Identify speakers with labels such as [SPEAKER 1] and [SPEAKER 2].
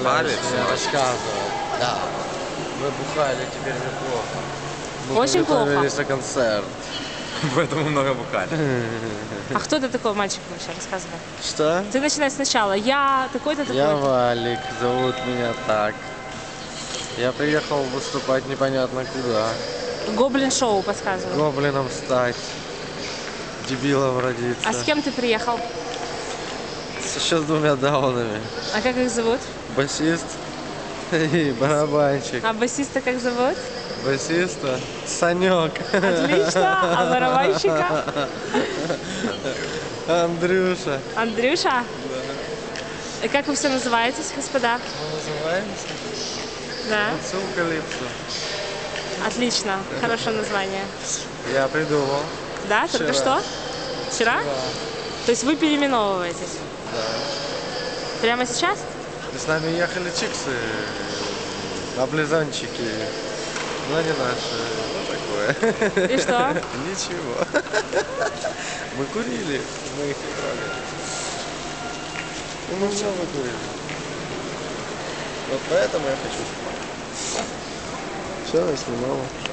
[SPEAKER 1] Палец?
[SPEAKER 2] Я рассказывал. Да. Мы бухали, теперь мне плохо. Мы
[SPEAKER 3] Очень плохо.
[SPEAKER 2] готовились на концерт.
[SPEAKER 1] Поэтому много бухали.
[SPEAKER 3] А кто ты такой мальчик вообще? Рассказывай.
[SPEAKER 2] Что?
[SPEAKER 3] Ты начинай сначала. Я такой-то,
[SPEAKER 2] Я
[SPEAKER 3] такой-то.
[SPEAKER 2] Валик, зовут меня так. Я приехал выступать непонятно куда.
[SPEAKER 3] Гоблин-шоу подсказываю.
[SPEAKER 2] Гоблином стать. Дебилом родиться.
[SPEAKER 3] А с кем ты приехал?
[SPEAKER 2] Еще с двумя даунами.
[SPEAKER 3] А как их зовут?
[SPEAKER 2] Басист и барабанщик.
[SPEAKER 3] А басиста как зовут?
[SPEAKER 2] Басиста Санек.
[SPEAKER 3] Отлично. А барабанщика?
[SPEAKER 2] Андрюша.
[SPEAKER 3] Андрюша? Да. И как вы все называетесь, господа?
[SPEAKER 2] Мы называемся
[SPEAKER 3] Да.
[SPEAKER 2] Калипсо.
[SPEAKER 3] Отлично. Хорошее название.
[SPEAKER 2] Я придумал.
[SPEAKER 3] Да? Только
[SPEAKER 2] Вчера.
[SPEAKER 3] что? Вчера? То есть вы переименовываетесь?
[SPEAKER 2] Да.
[SPEAKER 3] Прямо сейчас?
[SPEAKER 2] И с нами ехали чиксы, облизанчики. Но не наши. Ну такое.
[SPEAKER 3] И что?
[SPEAKER 2] Ничего. Мы курили, мы их не трогали. Ну мы все выкурили. Вот поэтому я хочу снимать. Все, я снимала.